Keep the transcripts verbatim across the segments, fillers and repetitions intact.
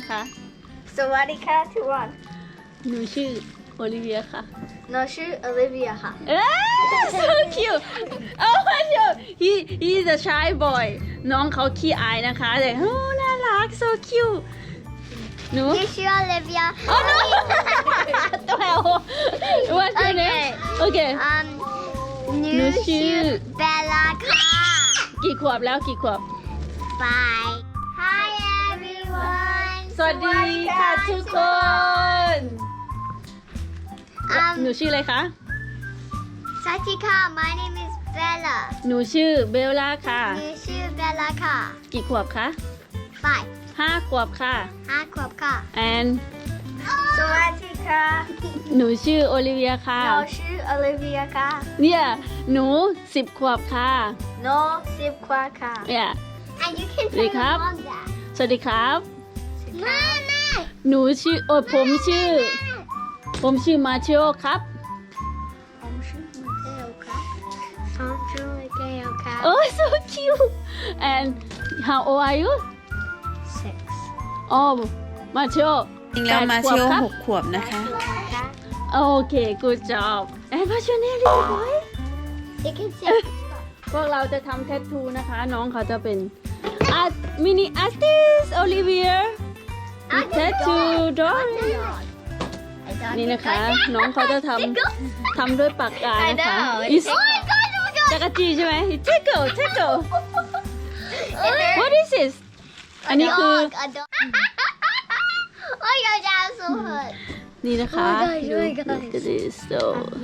นะคะสวัสดีค่ะทุกคนหนูชื่อโอลิเวียค่ะหนูชื่อโอลิเวียค่ะเอ้ย so cute oh my god he he is a shy boy น้องเขาขี้อายนะคะแต่โอ้น่ารัก so cute หนูที่ชื่อโอลิเวีย oh no ตัวแอล what's your name โอเคอืมหหนูนูชื่ชื่ออเบลล่าค่ะกี่ขวบแล้วกี่ขวบ Bye Hi everyone สวัสดีค่ะทุกคนอืมหนูชื่ออะไรคะสวัสดีค่ะ My name is Bella หนูชื่อเบลล่าค่ะหนูชื่อเบลล่าค่ะกี่ขวบคะ Five ห้าขวบค่ะห้าขวบค่ะ and สวัสดีค่ะหนูชื่อโอลิเวียค่ะหนูชื่อโอลิเวียค่ะเนี่ยหนูสิบขวบค่ะหนูสิบขวบค่ะเนี่ย And you can สวัสดีครับ mom that สวัสดีครับแม่แม่หนูชื่อโอ้ผมชื่อ ผมชื่อมาเชโอครับผมชื่อมาเกลค่ะผมชื่อมาเกลค่ะโอ้ so cute and how old are you six อ๋อมาเชโอจริงแล้วมาแปดเชียวขวบครับหกขวบนะคะค่ะโอเค good job and what's your name little boy you can say พวกเราจะทำแทททูนะคะ น้องเขาจะเป็นอาร์ตมินิอาร์ติสโอลิเวียแทททูดอ นี่นะคะ น้องเขาจะทำทำด้วยปากกานะคะ Is จักรจีใช่ไหม Tickle Tickle What is this อันนี้คือโอ้ยยาวๆสุดนี่นะคะ Oh my God, oh my God. Look at this so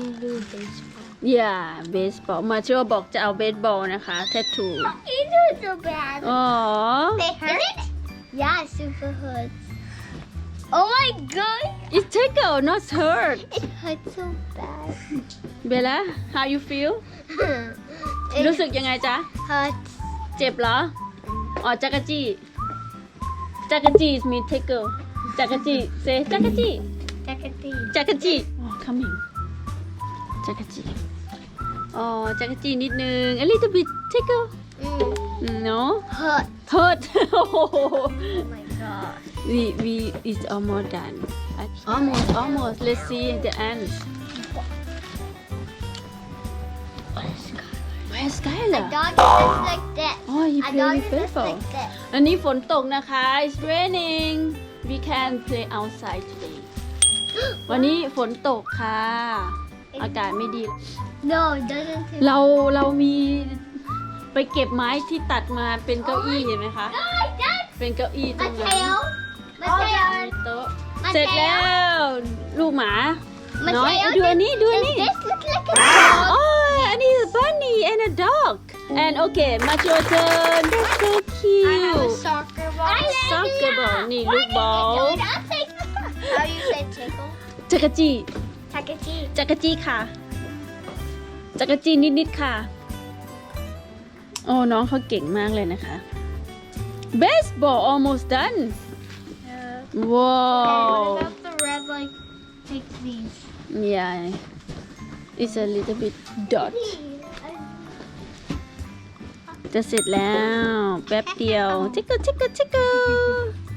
yeah baseball มาเชื่อบอกจะเอาเบสบอลนะคะแทททู You do so bad อ๋อ They hurt? Yeah, super hurts. Oh my god! It tickle not hurt It hurts so bad. Bella how you feel รู้สึกยังไงจ๊ะ hurts. เจ็บเหรอ อ๋อจักรจี้จักรจี้ มี tickle จักรจี้ say จักรจี้ Takati. จักรจี้ อ๋อ coming จักรจี้ อ๋อจักรจี้นิดนึง a little bit tickle Mm. no Hurt. hurt Oh my god. we we is almost done almost almost let's see the ends where's A Skylar dog is like that. oh he A play dog with is baseball like that. อันนี้ฝนตกนะคะ it's raining we can play outside today วันนี้ฝนตกค่ะ อากาศไม่ดี No, it doesn't. เราเรามีไปเก็บไม้ที่ตัดมาเป็นเก้าอี้เห็นไหมคะ เป็นเก้าอี้ตรงนั้น Mateo. Mateo. โต๊ะ Mateo. เสร็จแล้ว ลูกหมา น้อย Mateo, ดูอันนี้ดูอัน does นี้ this look like a dog? โอ้ยอันนี้ bunny and a dog and okay much your turn that's so cute soccer ball. soccer ball นี่ลูกบอล How you say tickle? จักรจี้ Takati. จักรจี้ค่ะ จักรจี้นิดๆค่ะ โอ้น้องเขาเก่งมากเลยนะคะ baseball almost done Yeah. wow What about the red like pixies? yeah it's a little bit dot จะเสร็จแล้ว แป๊บเดียว tickle tickle tickle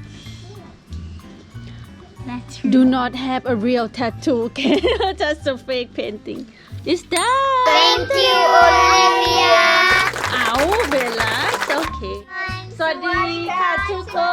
That's do not have a real tattoo okay just a fake painting it's done Thank you, Olivia. เอาเบลล่าโอเค สวัสดีค่ะทุกค